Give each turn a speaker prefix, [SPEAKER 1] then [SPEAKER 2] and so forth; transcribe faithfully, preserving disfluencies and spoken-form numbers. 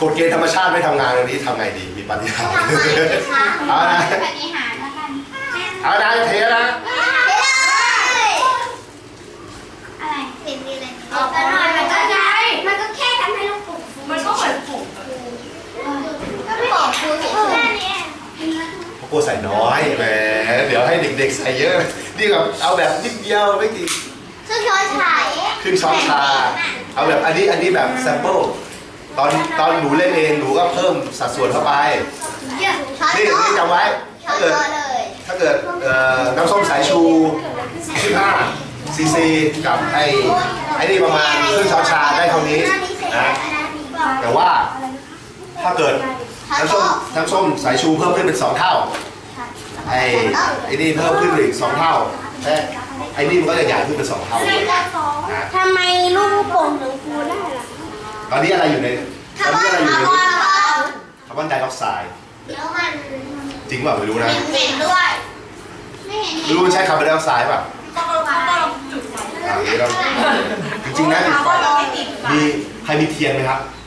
[SPEAKER 1] กฎเกณฑ์ธรรมชาติไม่ทำงานวันนี้ทำไงดีมีปฏิหารย์เอานะปฏิหารย์แล้วกันเอานะเทนะ
[SPEAKER 2] อะไรเห็นดีเลยอ๋อแต่หน่อยมันก็ใช่มันก็แค่ทำให้ลูกปุ๋งมันก็เหมือนปุ๋งก็ไม่บอกครูแค่นี้
[SPEAKER 1] พวกกูใส่น้อยแหมเดี๋ยวให้เด็กๆใส่เยอะนี่แบบเอาแบบนิดเดียวไม่กี่
[SPEAKER 2] ขึ้นช้อนชา
[SPEAKER 1] ขึ้นช้อนชาเอาแบบอันนี้อันนี้แบบแซมเปิลตอนตอนหนูเล่นเองหนูก็เพิ่มสัดส่วนเข้าไปนี่นี่จำไว้ถ้าเกิดถ้าเกิดน้ำส้มสายชูสิบห้าซีซีกับไอ้ไอ้นี่ประมาณครึ่งช้อนชาได้เท่านี้นะแต่ว่าถ้าเกิดน้ำส้มน้ำส้มสายชูเพิ่มขึ้นเป็นสองเท่าไอ้ไอ้นี่เพิ่มขึ้นอีกสองเท่าแต่ไอ้นี่มันก็จะใหญ่ขึ้นเป็นสองเท่า
[SPEAKER 2] ทำไมลูกโป่งถึงฟูได้ล่ะ
[SPEAKER 1] ตอนนี้อะไรอยู่ในตอนนี้อะไรอยู่ในคาร์บอนไดออกไซด์จริงเปล่าไม่รู้นะ
[SPEAKER 2] เห็นด้วย
[SPEAKER 1] ไม่รู้มันใช่คาร์บอนไดออกไซด์ป่ะจริงๆนะมีใครมีเทียนไหมครับ